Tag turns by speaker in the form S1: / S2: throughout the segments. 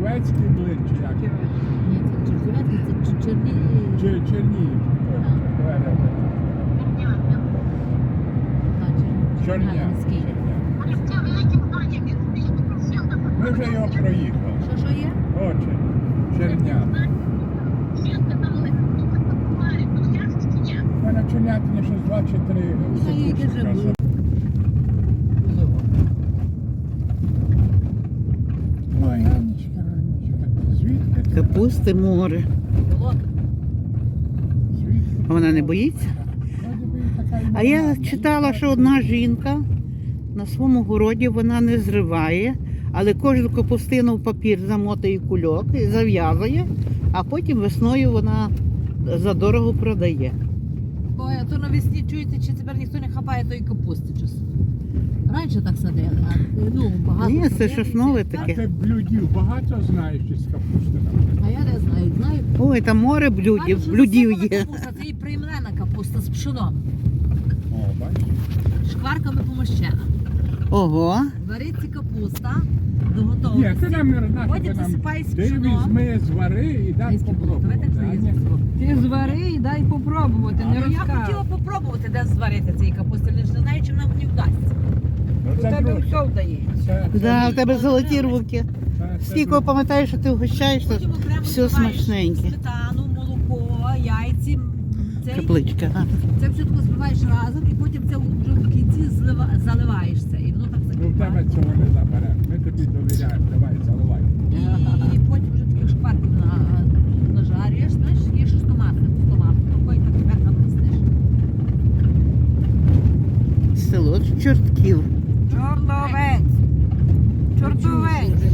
S1: Чернівецький блин, чи як?
S2: Ні, це Чернівецький, це Чернігів.
S1: Чернігів.
S2: Чернігівський.
S1: Ми вже його проїхали.
S2: Що є?
S1: Очі. Черня. Ми на Чернятині щось 2 чи 3
S2: яке вже було.
S1: секунди. Ой, Анечка. Звідки? ти?
S3: Капусти море.
S1: Звідки?
S3: А вона не боїться?
S1: Вроді би і така й
S3: А я
S1: нормальна.
S3: читала, що одна жінка на своєму городі вона не зриває, але кожну капустину в папір замотає в кульок і зав'язує, а потім весною вона задорого продає.
S2: Ой, а то навесні, чуєте, чи тепер ніхто не хапає тої капусти часу. Раніше так садили, а ну, багато
S3: Ні, це
S2: садили,
S3: щось
S2: всі.
S3: нове
S1: А
S3: таке.
S1: ти блюдів багато знаєш із капусти?
S2: А я не знаю, знаю.
S3: Ой, там море
S2: Кажуть,
S3: блюдів,
S2: що
S3: блюдів
S2: засипана
S3: є.
S2: капуста, це і приймлена капуста з пшоном,
S1: О, бачиш?
S2: шкварками помощена.
S3: Ого.
S2: Вариться капуста до
S1: Ні,
S2: готовності.
S1: ти нам не рознаєш,
S2: Потім засипай з
S1: ти
S2: пшоном.
S1: візьми, звари і дай
S2: Давайте
S1: попробувати.
S2: це
S1: а ні?
S2: їздимо.
S4: Ти звари і дай попробувати, не
S2: Ну, я
S4: розказуй.
S2: хотіла попробувати, де зварити цієї капусти, але ж не знаю, чи нам не вдасться.
S1: Ну,
S4: У
S1: це
S4: тебе
S1: друге.
S4: все вдається.
S3: Да, в тебе золоті руки.
S1: це
S3: Скільки
S1: друге.
S3: пам'ятаєш, що ти вгощаєш, то
S2: Потім окремо
S3: все
S2: збиваєш
S3: смачненьке.
S2: сметану, молоко, яйці.
S3: Капличка. А.
S2: Це все таки збиваєш разом і потім це вже в кінці заливаєш це. І воно так
S1: Ну в тебе
S2: закипає.
S1: цього не заберемо. Ми тобі довіряємо. Давай, заливай.
S2: І потім вже таких шкварків нажарюєш, знаєш, є ще з томатом, такої так тепер насниш.
S3: Село Чортків.
S4: Чортовець. Чортовець.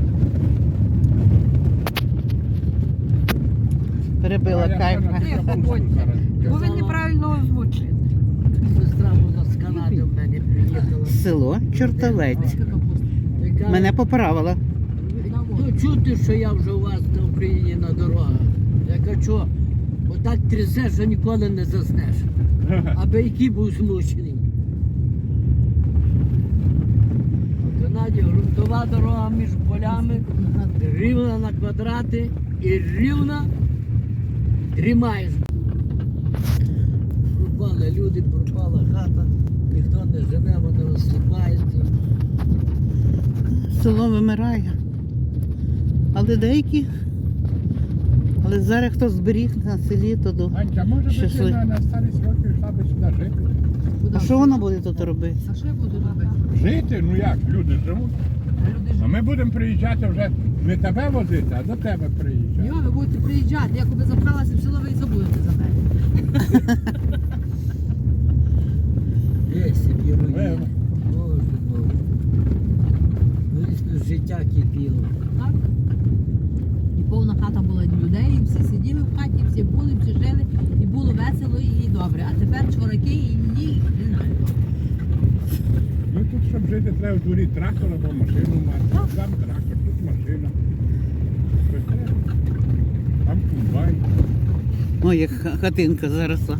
S3: Перебила кайф.
S4: Бо він неправильно озвучив.
S5: Сестра була з Канади в мене приїхала.
S3: Село Чортовець.
S2: Така капуста.
S5: Яка,
S3: Мене поправила.
S5: ну, чути, що я вже у вас на Україні на дорогах. Я кажу, що отак трясеш, що ніколи не заснеш. Аби який був змучений. В Канаді ґрунтова дорога між полями, рівна на квадрати і рівна тримаєш. Пропали люди, пропала хата, ніхто не живе, вони розсипаються.
S3: Село вимирає. Але деякі. Але зараз хто зберіг на селі, то до.
S1: Анька, може би ти
S3: Щасливо.
S1: на старість років йшла би сюди жити?
S3: А що вона буде тут робити?
S2: А що я буду робити?
S1: Жити? Ну як, люди живуть.
S2: Люди ж
S1: А ми будемо приїжджати вже не тебе возити, а до тебе приїжджати.
S2: Йо, ви будете приїжджати, як ви запхалася в село, ви і забудете за мене.
S5: Є собі
S1: Ви-
S5: руїни. Боже, Боже. Звісно, життя кипіло.
S2: Так? І повна хата була людей, і всі сиділи в хаті, всі були, всі жили, і було весело і добре. А тепер чвораки і ні, не знаю.
S1: Ну тут, щоб жити, треба в дворі трактор або машину мати. Там трактор, тут машина. Щось треба. Там комбайн.
S3: Ой, як хатинка заросла.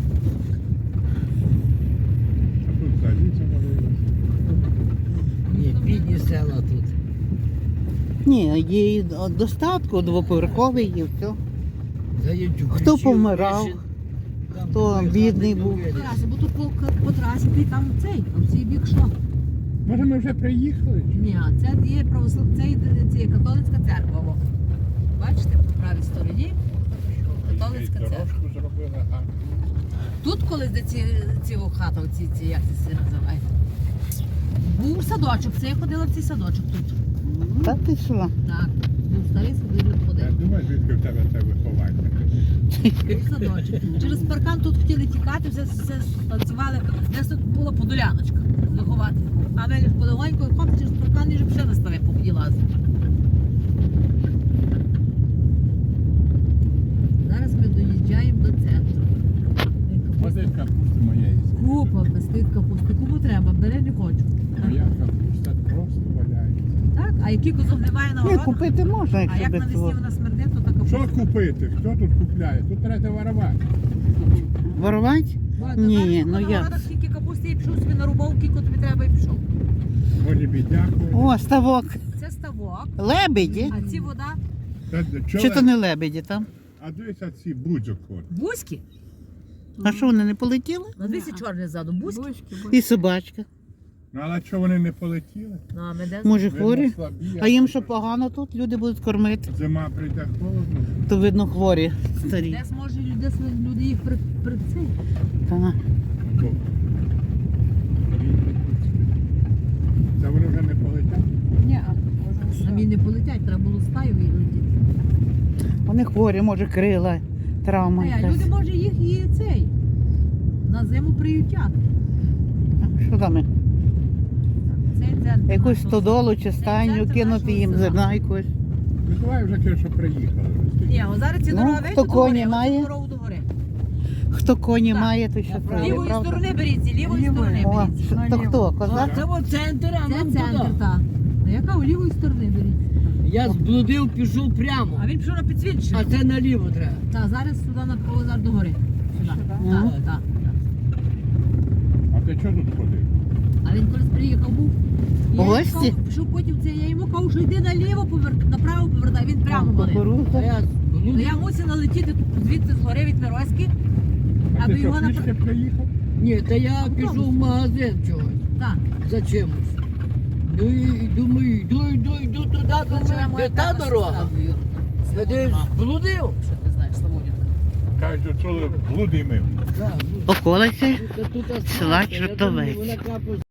S1: А тут взагалі завалилося.
S5: Ні, бідні села тут.
S3: Ні, є і достатку, двоповерховий і все.
S5: Заїдь
S3: Хто помирав, хто бідний був.
S2: По трасі, бо тут по трасі, ти там цей, там всі бік що.
S1: Може ми вже приїхали? Чи?
S2: Ні, це є це є католицька церква. О. Бачите, по правій стороні католицька церква.
S1: Дорожку зробили гарно.
S2: Тут колись де ці хата, ці як це називає. Був садочок, це я ходила в цей садочок тут.
S3: Та ти що?
S2: Так, був старий садочок
S1: Я
S2: ходив.
S1: думаю, звідки в тебе це виховання.
S2: Був садочок. Через паркан тут хотіли тікати, все танцювали. Десь тут була подоляночка виховати. А ми ж полегонько хоп, через паркан і вже пішли на старе побуділа. Зараз ми доїжджаємо до центру.
S1: Ось капуста моєї.
S2: Купа пестить капусти. Кому треба, бери, не хочу.
S1: Моя капуста просто валяється.
S2: Так? А який козок немає на
S3: Ні,
S2: городах?
S3: купити можна,
S2: А
S3: якщо
S2: як
S3: без
S2: навесні
S3: цього.
S2: вона смердить, то така
S1: Що
S2: капуста.
S1: купити? Хто тут купляє? Тут треба воровати.
S3: Ворувати?
S2: Ой,
S3: Ні,
S2: тепер,
S3: ну
S2: на
S3: як?
S2: городах скільки капусти і пішов собі нарубав, кілько тобі треба і пішов.
S1: Може бідняку.
S3: О, ставок.
S2: Це ставок,
S3: Лебеді.
S2: а ці вода
S3: Чи то не лебеді там?
S1: А дивися ці будзок ходять.
S2: Бузьки?
S3: А що вони не полетіли?
S2: На двісті чорний ззаду. Бузьки?
S3: І собачка.
S1: Ну, але чого вони не полетіли?
S2: Ну, а ми де?
S3: Може
S1: Видно,
S3: хворі?
S1: слабі,
S3: А їм що погано тут? Люди будуть кормити.
S1: Зима прийде холодно.
S3: То видно хворі старі.
S2: Десь може люди їх при цей.
S3: Та.
S1: Бо це вони вже не полетять.
S4: Ні,
S2: Самі не полетять, треба було стаю і летіти.
S3: Вони хворі, може крила, травма
S2: А
S3: якась.
S2: люди може їх і цей. На зиму приютять.
S3: Що там?
S2: Цей центр
S3: Якусь
S2: нашого-
S3: стодолу чи стайню,
S2: центр
S3: кинути
S2: нашого
S3: їм
S2: села.
S3: зерна якось.
S1: Ну давай вже кажу, що приїхали.
S2: Ні, о, зараз ці
S3: Ну,
S2: дорога
S3: хто
S2: вийшли до
S3: коні
S2: гори,
S3: має?
S2: оцю дорогу до гори.
S3: Хто коні
S2: Так.
S3: має, то що
S2: З
S3: треба,
S2: лівої
S3: правда?
S2: сторони беріться, лівої
S4: Лівої.
S2: сторони
S3: О,
S2: беріться.
S3: що- то хто, козак?
S5: Це от центр, а
S2: Це
S5: нам
S2: центр,
S5: туди.
S2: так. А яка у лівої сторони беріться?
S5: Я зблудив, пішов прямо.
S2: А він пішов на підсвідчення.
S5: А це наліво треба.
S2: Так, зараз сюди на Павлозар до гори. Сюди.
S3: Мгм.
S2: Так, так.
S1: А ти чого тут ходив?
S2: А він колись приїхав був.
S3: В
S2: Я йому
S3: гості?
S2: сказав, Пішов потім це, я йому кажу, що йди наліво, направо повертай, він прямо
S3: Там
S2: мене.
S5: А
S3: кукурудза.
S5: я
S2: Ну,
S5: зблудив.
S2: я мусив налетіти тут звідси з гори від Мироськи,
S1: А
S2: аби
S1: ти що,
S2: його
S1: пішки приїхав?
S5: Ні, та я
S2: Автобус.
S5: пішов в магазин чогось.
S2: Так.
S5: За чимось. Ну і думаю, йду туди, думаю, де та дорога. Я десь зблудив.
S2: Що ти знаєш, Славонівка?
S1: Кажуть, що блуди мив.
S5: Так,
S3: Околиці
S5: тут
S3: села
S5: асфальт, я думаю,
S3: Чортовець.
S5: вона капає